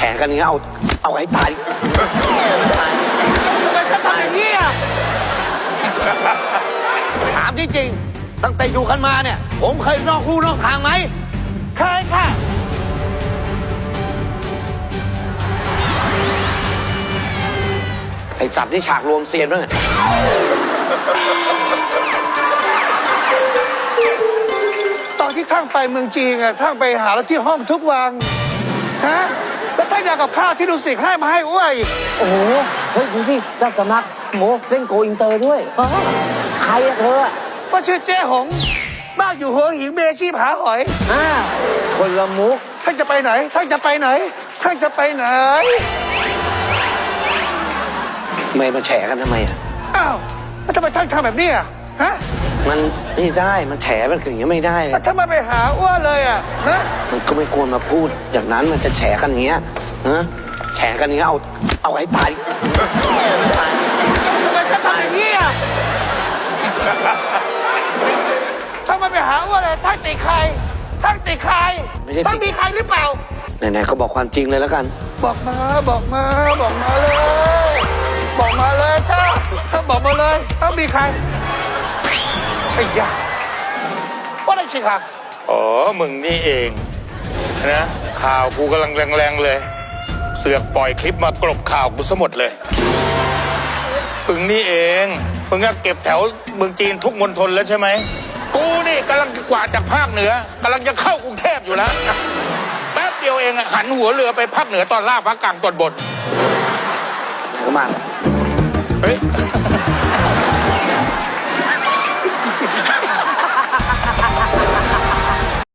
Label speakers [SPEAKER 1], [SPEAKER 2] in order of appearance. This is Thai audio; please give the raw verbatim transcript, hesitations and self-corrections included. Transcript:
[SPEAKER 1] กันอย่างเงี้ยเอาเอาให้ตายทำไมจะทำอย่างนี้อ่ะถามจริงๆตั้งแต่อยู่กันมาเนี่ยผมเคยนอกลู่นอกทางไหมเคยค่ะไอ้จับนี่ฉากรวมเซียนบ้าง
[SPEAKER 2] ตอนที่ท่านไปเมืองจีนอะท่านไปหาแล้วที่ห้องทุกวันฮะแล้วท่านอยากกับข้าวที่ดูสิให้มาให้อ้วยอีก
[SPEAKER 3] โอ้โห เฮ้ยดูสิเจ้าสำนักโมเล่นโกอินเตอร์ด้วยอ้าวใครอะเธอ
[SPEAKER 2] ว่าชื่อเจ๊หงบ้านอยู่หัวหินเมชีพหาหอย
[SPEAKER 3] อ่าคนละมุก
[SPEAKER 2] ท่านจะไปไหนท่านจะไปไหนท่านจะไปไหน
[SPEAKER 1] ทำไมมาแฉกันทำไมอ่ะ
[SPEAKER 2] อ้าวแล้วทำไมท่านทำแบบนี้อ่ะฮะ
[SPEAKER 1] มันไม่ได้มันแฉมันอย่างเงี้ยไม่ได้เล
[SPEAKER 2] แล้ว
[SPEAKER 1] ย
[SPEAKER 2] ทำไมไปหาอ้วนเลยอ่ะฮะ
[SPEAKER 1] มันก็ไม่ควรมาพูดอย่างนั้นมันจะแฉกันอย่างเงี้ยฮะแฉกันอย่างเงี้ยเอาเอาให้ตาย
[SPEAKER 2] ทำไมท่านทำอย่างนี้อ่ะทำไมไปหาอ้วนเลยท่านติดใครท่านติดใครท่านมีใครหรือเปล่า
[SPEAKER 1] ไหนๆก็บอกความจริงเลยแล้วกัน
[SPEAKER 2] บอกมาบอกมาบอกมาเลย บอกมาเลยถ้าถ้าบอกมาเลยถ้ามีใครไอ้ยาว่าอะไรชิคะ
[SPEAKER 4] อ๋อ มึงนี่เองนะข่าวกูกำลังแรงๆเลย เสือกปล่อยคลิปมากลบข่าวกูซะหมดเลยมึงนี่เองมึงก็เก็บแถวเมืองจีนทุกมณฑลแล้วใช่ไหมกูนี่กำลังกวาดจากภาคเหนือกำลังจะเข้ากรุงเทพอยู่แล้วแป๊บเดียวเองอะหันหัวเรือไปภาคเหนือตอนล่างภาคกลางตอนบน
[SPEAKER 1] ไหนก็มา
[SPEAKER 4] เฮ้ย